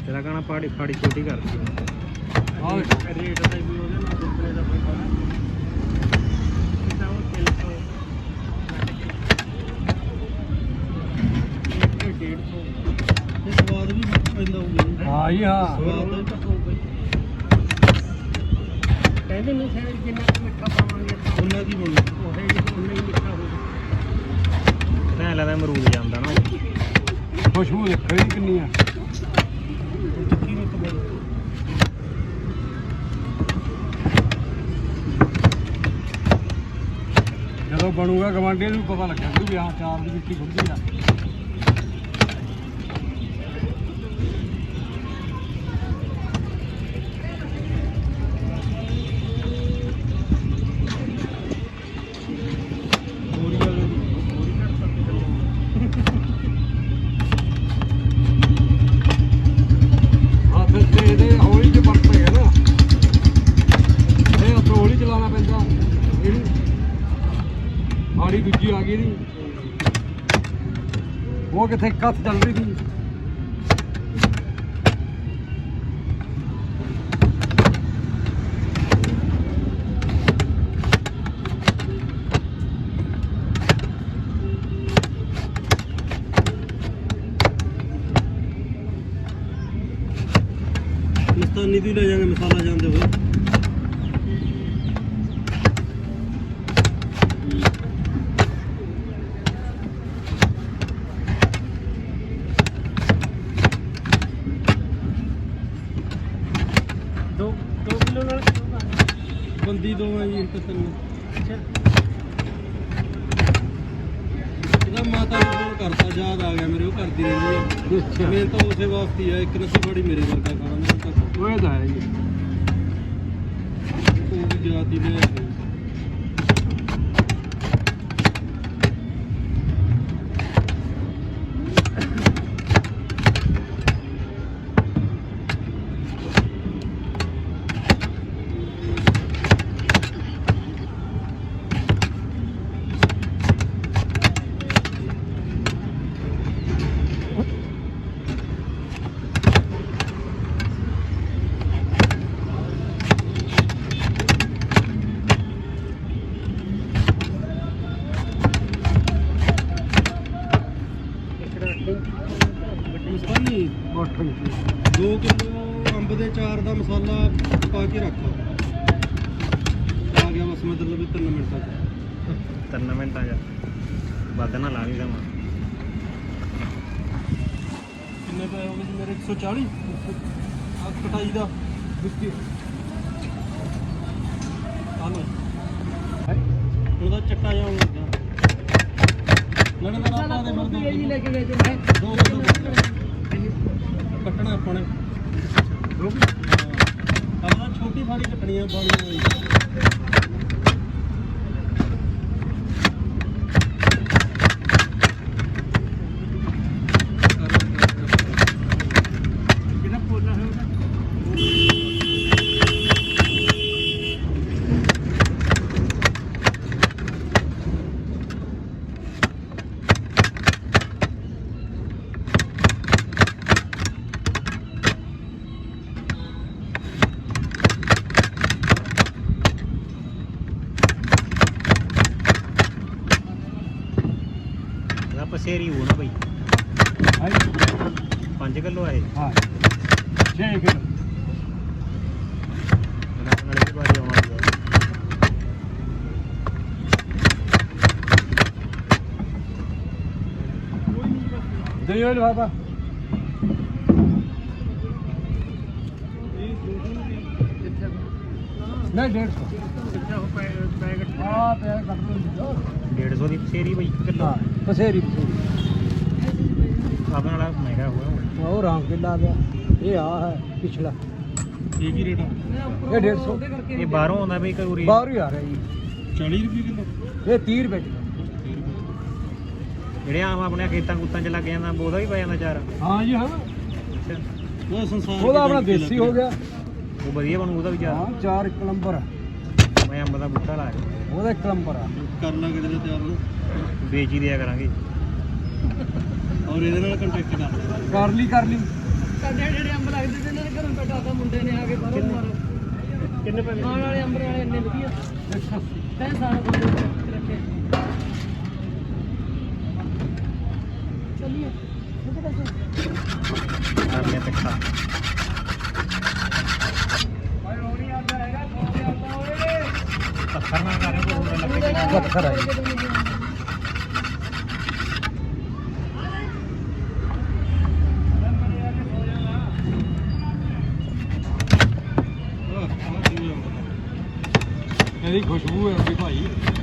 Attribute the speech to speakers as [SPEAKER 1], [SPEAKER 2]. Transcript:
[SPEAKER 1] ਤੇਰਾ ਕਹਣਾ ਪਾੜੀ ਫਾੜੀ ਛੋਟੀ ਕਰਦੀ
[SPEAKER 2] ਆਹ
[SPEAKER 1] ਰੇਟ ਦਾ ਵੀ ਉਹਦੇ ਨਾਲ ਦੂਸਰੇ ਦਾ ਕੋਈ ਫਰਕ ਕਿਤਾ ਉਹ 300 150
[SPEAKER 2] ਤੇ ਸਵਾਦ ਵੀ ਪੈਂਦਾ ਹੋਊਗਾ। ਹਾਂ ਜੀ ਹਾਂ
[SPEAKER 1] ਸਵਾਦ ਤਾਂ ਹੋਊਗਾ ਕਹਿੰਦੇ ਨਹੀਂ ਸਾਰੇ ਜਿੰਨਾ ਕੁ ਮਿੱਠਾ ਪਾਵਾਂਗੇ
[SPEAKER 2] ਉਹਨਾਂ ਦੀ ਬਣੂ
[SPEAKER 1] ਉਹ ਉਨਾ ਹੀ ਮਿੱਠਾ ਹੋਊਗਾ ਮੈਂ ਲੱਗਦਾ ਅਮਰੂਦ ਜਾਂਦਾ ਨਾ
[SPEAKER 2] ਖੁਸ਼ਬੂ ਦੇਖੋ ਜੀ ਕਿੰਨੀ ਆ ਜਦੋਂ ਬਣੂਗਾ ਗਵਾਂਢੀਆਂ ਨੂੰ ਪਤਾ ਲੱਗਿਆ ਵੀ ਆਹ ਚਾਰ ਦੀ ਮਿੱਟੀ ਖੁੱਲਦੀ ਆ ਆੜੀ ਦੂਜੀ ਆ ਗਈ ਦੀ ਉਹ ਕਿੱਥੇ ਕੱਥ ਚੱਲ ਰਹੀ ਸੀ ਮਸਤਾਨੀ ਦੀ ਲੈ ਜਾਗੇ ਮਸਾਲਾ ਜਾਂਦੇ ਹੋਏ ਬੰਦੀ ਦੋ ਆ ਜੀ ਇੱਕ ਤਿੰਨ ਅੱਛਾ ਇਹਦਾ ਮਾਤਾ ਨੂੰ ਫੋਨ ਕਰਤਾ ਯਾਦ ਆ ਗਿਆ ਮੇਰੇ ਉਹ ਕਰਦੀ ਰਹਿੰਦੀ ਹੈ ਮੈਂ ਤਾਂ ਉਸੇ ਵਾਸਤੇ ਆ ਇੱਕ ਨਸੀ ਬੜੀ ਮੇਰੇ ਵਰਗਾ ਖਾਣਾ ਮੈਂ ਤਾਂ ਉਹ ਤਾਂ ਹੈ ਜੀ ਉਹ ਵੀ ਜਾਤੀ ਦੇ ਮਸਾਲਾ 2 ਕਿਲੋ ਅੰਬ ਦੇ ਚਾਰ ਦਾ ਮਸਾਲਾ ਪਾ ਕੇ ਰੱਖ ਆ ਗਿਆ ਬਸ ਮਤਲਬ ਵੀ 3 ਮਿੰਟਾਂ ਚ
[SPEAKER 1] 3 ਮਿੰਟਾਂ ਚ ਵੱਧ ਨਾ ਲਾ ਲਈ ਦਵਾਂ
[SPEAKER 2] ਕਿੰਨੇ ਪਏ ਹੋ ਗਏ ਮੇਰੇ 140 ਆ ਕਟਾਈ ਦਾ ਬਿਸਕੀ ਆ ਲੋ ਉਹਦਾ ਚੱਟਾ ਜਾ ਹੁੰਦਾ ਲੜਨ ਦਾ ਆਪਾਂ ਦੇ ਮਰਦ ਇਹ ਲੈ ਕੇ ਗਏ ਤੇ ਮੈਂ ਦੋ ਕੱਟਣਾ ਆਪਾਂ ਨੇ ਆਪਾਂ ਛੋਟੀ ਫਾੜੀ ਕੱਟਣੀ ਆ ਬਾਣੀ ਵਾਲੀ
[SPEAKER 1] ਕਿਹਦਾ ਪੋਲਾ ਹੈ ਉਹਦਾ पसेरी हो ना भाई 5 किलो है
[SPEAKER 2] हाँ 6 किलो दे बाबा नहीं
[SPEAKER 1] 150 की पसेरी भाई किलो
[SPEAKER 2] पसेरी
[SPEAKER 1] अपने वाला महंगा हुआ
[SPEAKER 2] और राम किला आ गया ये आ है पिछला एक ही रेट है ये 150
[SPEAKER 1] ये बाहरों आंदा भाई करूरी
[SPEAKER 2] बाहर ही आ रहा है जी 40 रुपये किलो ये 30 रुपये किलो
[SPEAKER 1] ਜਿਹੜੇ ਆਮ ਆਪਣੇ ਖੇਤਾਂ ਕੁੱਤਾਂ 'ਚ ਲੱਗ ਜਾਂਦਾ ਉਹਦਾ ਵੀ ਪੈ ਜਾਂਦਾ ਚਾਰ
[SPEAKER 2] ਹਾਂ ਜੀ ਹਾਂ
[SPEAKER 1] ਅੱਛਾ
[SPEAKER 2] ਉਹ ਸੰਸਾਰ ਉਹਦਾ ਆਪਣਾ ਦੇਸੀ ਹੋ ਗਿਆ
[SPEAKER 1] ਉਹ ਵਧੀਆ ਬਣੂ ਉਹਦਾ ਵੀ ਚਾਰ
[SPEAKER 2] ਹਾਂ ਚਾਰ ਇੱਕ ਨੰਬਰ
[SPEAKER 1] ਮੈਂ ਅੰਬ ਦਾ ਬੂਟਾ ਲਾ ਕੇ
[SPEAKER 2] ਉਹਦਾ ਇੱਕ ਨੰਬਰ ਆ ਕਰ ਲਾਂਗੇ ਇਹਦੇ ਤਿਆਰ ਨੂੰ
[SPEAKER 1] ਵੇਚ ਹੀ ਦਿਆ ਕਰਾਂਗੇ
[SPEAKER 2] ਔਰ ਇਹਦੇ ਨਾਲ ਕੰਟੈਕਟ ਕਰ ਲਈ ਸਾਡੇ ਜਿਹੜੇ ਅੰਬ ਲੱਗਦੇ ਅੱਜ ਦੇ ਇਹਨਾਂ ਨੇ ਘਰੋਂ ਬੈਠਾ ਮੁੰਡੇ ਨੇ ਆ ਕੇ ਬਾਹਰੋਂ ਮਾਰੋ
[SPEAKER 1] ਕਿੰਨੇ ਪੈਸੇ
[SPEAKER 2] ਖਾਣ ਵਾਲੇ ਅੰਬਰ ਵਾਲੇ ਇੰਨੇ ਵਧੀਆ ਤੈਂ ਸਾਰਾ ਬੰਦੇ ਰੱਖੇ ਚੱਲੀਏ
[SPEAKER 1] ਕਰ ਲਿਆ ਪਿੱਛਾ ਪੱਥਰ ਨਾਲ ਕਰ ਰਿਹਾ ਕੋਈ ਲੱਗੇ
[SPEAKER 2] ਪੱਥਰ ਆਏ
[SPEAKER 3] ਇਹਦੀ ਖੁਸ਼ਬੂ ਹੈ ਵੀ ਭਾਈ